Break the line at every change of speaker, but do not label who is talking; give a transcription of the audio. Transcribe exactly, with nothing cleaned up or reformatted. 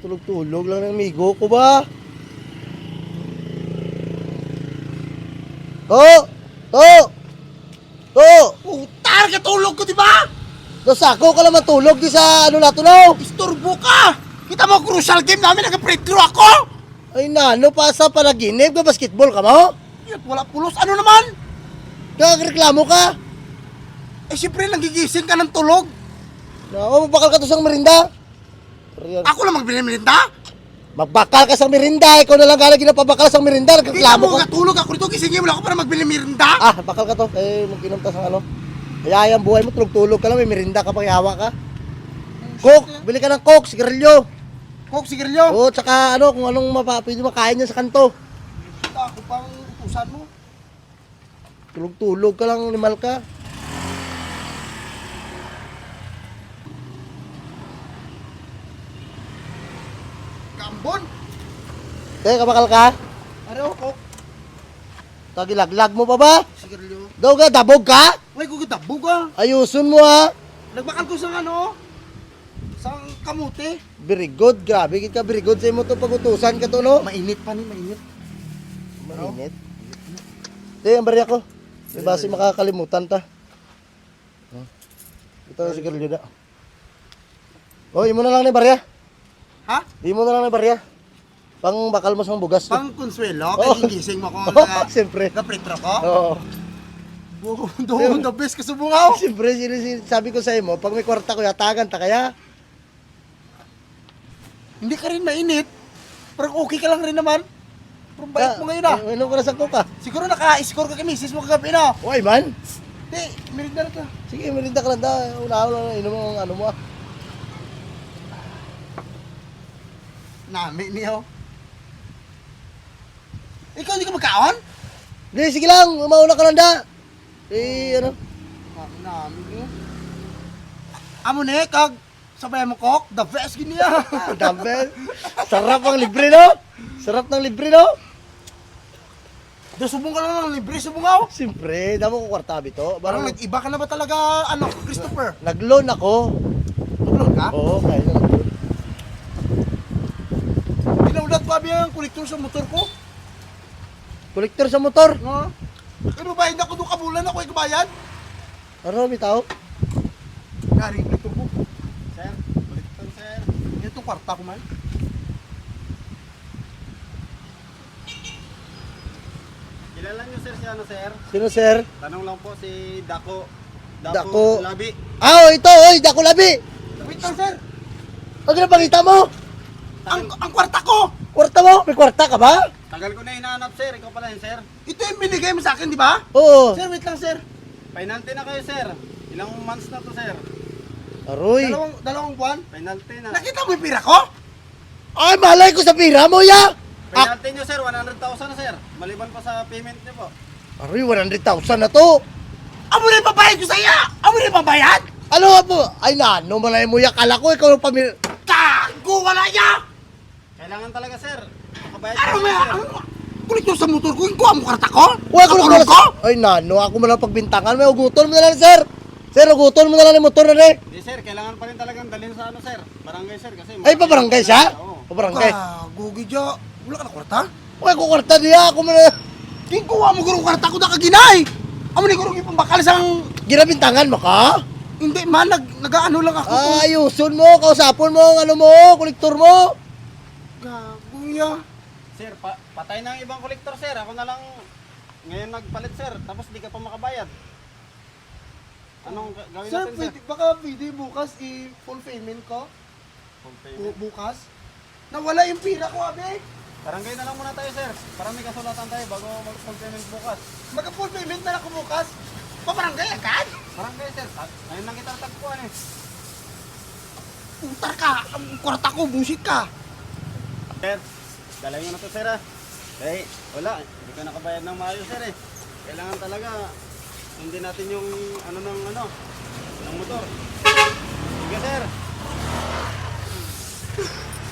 Tulog-tulog lang ng amigo ko ba? To! To! To!
Putar ka tulog ko, di ba?
Dosako ka lang matulog di sa ano nato no?
Istorbo ka! Kita mo, crucial game namin, nag-free throw ako!
Ay nano pa sa panaginip ka basketball ka mo?
Yat, wala pulos. Ano naman?
Kagreklamo ka?
Eh, siyempre, nagigising ka ng tulog.
No, magbakal ka to sa merinda.
Ako lang magbiniminta?
Magbakal ka sa merinda, ikaw na lang gala ginapabakal sa merinda,
Kita
nagreklamo
mo,
ka.
katulog ako rito, gisingin mo lang ako para magbiniminta?
Ah, bakal ka to. Eh, mag-inom ta sa ano. Kaya yung buhay mo, tulog-tulog ka lang, may merinda ka pang yawa ka. Coke, bili ka ng Coke, sigarilyo.
Coke, sigarilyo.
Oo, tsaka ano, kung anong mapapili makain niya sa kanto.
Ako pang utusan mo.
Tulog-tulog ka lang, limal ka.
Kambon.
Teka, bakal ka?
Ano, Coke?
Tagilaglag mo pa ba?
Sigarilyo.
Daw ka, dabog ka?
Uy, gugitabog ah.
Ayusun mo ha.
Nagbakal ko sa ano? Sa kamuti.
Very good, grabe ka, very good sa imo to pagutusan ka to, no?
Mainit pa ni, mainit.
Mainit. Di, ang barya ko. Di ba si makakalimutan ta? Huh? Ito ang sigarilyo na. Oh, imo na lang ni barya.
Ha?
Imo na lang ni barya. Pang bakal mo sa bugas.
Pang konsuelo?
Oh.
Kaya gigising mo kung
Oh,
na
siyempre.
na-pretro ko?
Oo.
Doon, the best ka subungaw.
Siyempre, sino- sino- sabi ko sa imo, pag may kwarta ko, yatagan ta kaya.
Hindi ka rin mainit. Pero okay ka lang rin naman. Pero bait mo ngayon ah.
Eh, Inom ko na sa coke ah.
Siguro naka-score ka kay misis mo kagabi na.
Uy, man.
Hindi, merinda na ka.
Sige, merinda ka lang da. Una-una na inom ang ano mo ah.
Nami niyo. Ikaw hindi ka magkaon?
Di, sige lang. Mauna ka lang da. Eh, ano?
Ah, nami niyo. Amo ni, kag sabay mo kok, the best gini ah.
Dumbbell. Sarap ang libre, no? Sarap ng libre, no?
Do subong ka lang ng libre subungaw.
Siyempre, damo ko kwarta bito.
Parang
Parang
nag-iba ka na ba talaga, ano, Christopher?
nag-loan ako.
Nag-loan ka?
Oo, kaya na nag-loan.
Pinaulat ko abi ang kolektor sa motor ko.
Kolektor sa motor.
No? Pero bayad ako doon kabulan ako ay kabayad.
Ano, bitaw?
Garing kolektor ko. Sir, kolektor sir. Ito kwarta ko man.
Kilala niyo sir si ano sir?
Sino, sir?
Tanong lang po si Dako.
Dako.
Labi.
Ah, oh, ito, oy, dako labi.
Wait lang sir.
Ang pinapakita mo?
Ang, ang kwarta ko!
Kwarta mo? May kwarta ka ba?
Tagal ko na hinahanap sir. Ikaw pala yun sir.
Ito yung binigay mo sa akin, di ba?
Oo.
Sir, wait lang sir.
Penalty na kayo sir. Ilang months na to sir?
Aroy.
Dalawang, dalawang buwan.
Penalty na.
Nakita mo yung pira ko?
Ay, malay ko sa pira mo, ya.
Penalty nyo sir. one hundred thousand na sir. Maliban pa sa payment nyo po.
Aroy, one hundred thousand na to.
Amo na yung babayad ko sa iya! Amo na yung babayad!
Ano nga po? Ay, nano, malay mo, ya. Kala ko, ikaw yung pamil...
Tago, wala niya!
Kailangan talaga sir. Makabayad
Ano
kayo,
may,
sir.
ano? Kolektor sa motor ko, yung kuha mo kwarta ko?
Uy, ako
Natulog
na
ko?
Ay, nano, ako mo lang pagbintangan. May uguton mo na lang, sir. Sir, uguton mo na lang yung motor na rin.
Hindi sir. Kailangan pa rin talagang dalhin sa ano sir. Barangay sir. Kasi
Ay, pabarangay siya?
Oo.
Pabarangay.
Gago, gidya. Wala ka na kwarta?
Uy, kukwarta niya. Ako mo na...
King kuha mo gurong kwarta ko na kaginay! Amo ni gurong ipambakal sang...
Ginabintangan mo ka?
Hindi man, nag, nag-ano lang ako.
Ah, ayusun mo, kausapon mo ang ano mo, kolektor mo.
Gago ya.
Sir, pa patay na ang ibang kolektor sir. Ako na lang ngayon nagpalit sir. Tapos di ka pa makabayad. Anong ga- gawin
Sir,
natin sir?
pwede, baka pwede bukas i-full payment ko?
Full
Bu-
payment.
bukas? Nawala yung pira ko, abe.
Barangay na lang muna tayo sir. Para may kasulatan tayo bago mag-full payment bukas.
Magka-full payment na lang ako bukas. Pabarangay agad?
Barangay sir. At ngayon lang kita tagpuan eh.
Utar ka. Ang kwarta ko, busit ka.
Sir, dalayin mo na to sir ah. Eh, wala. Hindi ka nakabayad ng maayos sir eh. Kailangan talaga hindi natin yung ano ng ano ng motor. Sige sir.